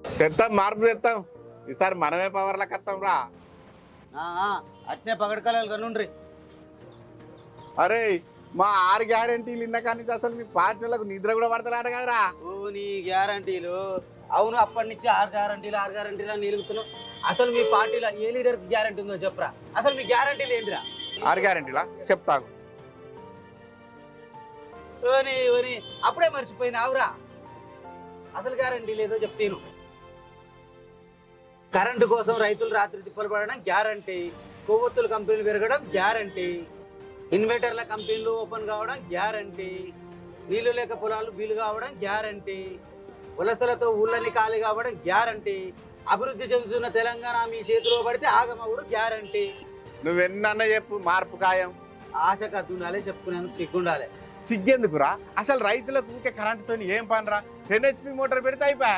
తెస్తాం, మార్పు తెస్తాం. ఈసారి మనమే పవర్లకు వస్తాం రా. అట్నే పగడకలు కనుండ్రి. అరే మా 6 గ్యారెంటీలు ఇన్న కానీ అసలు మీ పార్టీలకు నిద్ర కూడా పడతలాట కదరా. ఓ నీ గ్యారంటీలు. అవును, అప్పటి నుంచి 6 గ్యారంటీలు అని నిలుగుతున్నావు. అసలు మీ పార్టీలో ఏ లీడర్ గ్యారంటీ ఉందో చెప్పరా. అసలు మీ గ్యారంటీలు ఏంటిరా? 6 గ్యారెంటీలా చెప్తాకు. ఓని ఓని అప్పుడే మర్చిపోయినావురా. అసలు గ్యారంటీ లేదో చెప్తాను. కరెంటు కోసం రైతులు రాత్రి తిప్పలు పడడం గ్యారంటీ. కొవ్వొత్తుల కంపెనీలు పెరగడం గ్యారంటీ. ఇన్వర్టర్ల కంపెనీలు ఓపెన్ కావడం గ్యారంటీ. నీళ్లు లేక పొలాలు బీలు కావడం గ్యారంటీ. వలసలతో ఊళ్ళని ఖాళీ కావడం గ్యారంటీ. అభివృద్ధి చెందుతున్న తెలంగాణ మీ చేతిలో పడితే ఆగమవుడు గ్యారంటీ. నువ్వెన్న చెప్పు, మార్పు ఖాయం. ఆశ కత్తుండాలి, చెప్పుకునేందుకు సిగ్గుండాలి. సిగ్గెందుకురా? అసలు రైతులకు ఊకే కరెంటుతో ఏం పనిరా? 10 HP మోటార్ పెడితే అయిపోయా.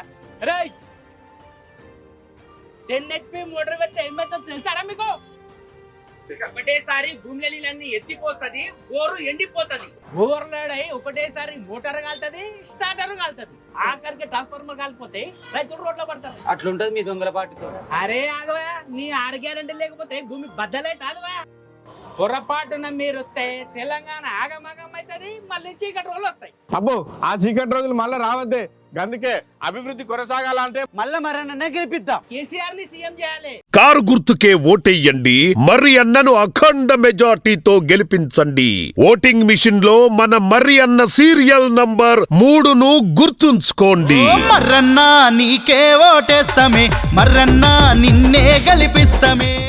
10 HP మోటార్ పెడితే ఏమైతుందో తెలుసారా మీకు? ఒకటేసారి భూమిలో నీళ్ళన్నీ ఎత్తిపోతుంది, బోరు ఎండిపోతుంది. బోర్లాడై ఒకటేసారి మోటార్ కాలుతుంది, స్టార్టర్ కాలుతుంది, ఆఖరికి ట్రాన్స్ఫార్మర్ కాలిపోతే రైతులు రోడ్లో పడతారు. అట్లుంటది మీ దొంగల పార్టీతో. అరే ఆగవా, నీ 6 గ్యారెంటీ లేకపోతే భూమి బద్దలే కాదువా. పొరపాటున మీరు వస్తే తెలంగాణ ఆగమాగం అవుతుంది, మళ్ళీ చీకటి రోజులు వస్తాయి. అబ్బో ఆ చీకటి రోజులు మళ్ళీ రావద్దే. అందుకే అభివృద్ధి కొనసాగాలంటే మళ్ళా మరన్నా గెలిపిద్దాం. కేసీఆర్ ని సీఎం చేయాలి. కారు గుర్తుకే ఓటెయ్యండి, మర్రి అన్నను అఖండ మెజార్టీతో గెలిపించండి. ఓటింగ్ మిషన్ లో మన మర్రి అన్న సీరియల్ నంబర్ 3ను గుర్తుంచుకోండి. మర్రన్నా నీకే ఓటేస్తామే, మర్రన్నా నిన్నే గెలిపిస్తామే.